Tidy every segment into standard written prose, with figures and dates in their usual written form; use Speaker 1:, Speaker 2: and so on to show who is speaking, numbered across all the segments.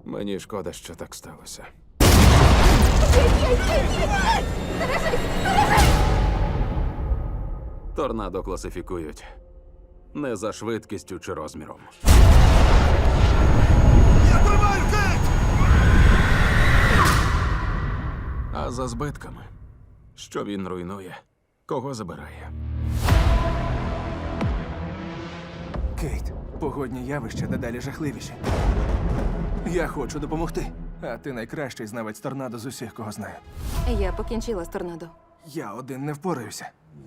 Speaker 1: Мені шкода, що так сталося. Торнадо класифікують не за швидкістю чи розміром.
Speaker 2: Я тримаю, Кейт!
Speaker 1: А за збитками. Що він руйнує, кого забирає.
Speaker 2: Кейт, погодні явища дедалі жахливіші. Я хочу допомогти. А ти найкращий знавець торнадо з усіх, кого знаю.
Speaker 3: Я покінчила з торнадо.
Speaker 2: Я один не впораюся.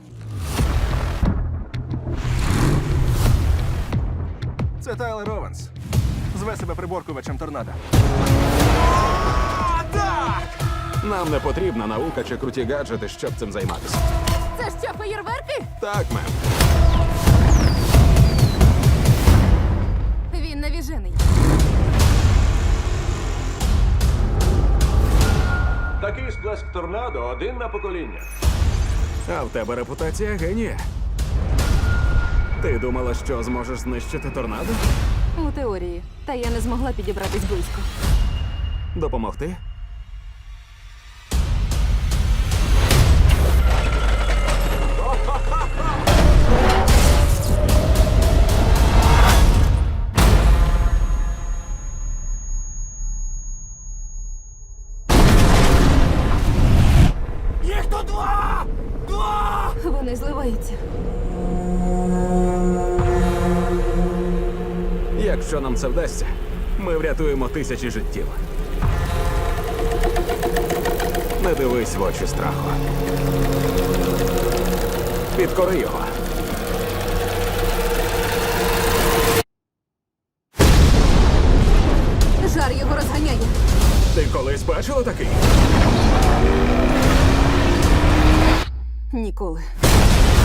Speaker 2: Це Тайлер Ованс. Зве себе приборкувачем торнадо.
Speaker 1: Нам не потрібна наука чи круті гаджети, щоб цим займатися.
Speaker 3: Це що, феєрверки?
Speaker 1: Так, мем.
Speaker 3: Він навіжений.
Speaker 4: Такий сплеск торнадо один на покоління.
Speaker 1: А в тебе репутація генія. Ти думала, що зможеш знищити торнадо?
Speaker 3: У теорії. Та я не змогла підібратись близько.
Speaker 1: Допомогти?
Speaker 2: Їх тут два! Два!
Speaker 3: Вони зливаються.
Speaker 1: Якщо нам це вдасться, ми врятуємо тисячі життів. Не дивись в очі страху. Підкори його.
Speaker 3: Жар його розганяє.
Speaker 1: Ти колись бачила такий?
Speaker 3: Ніколи.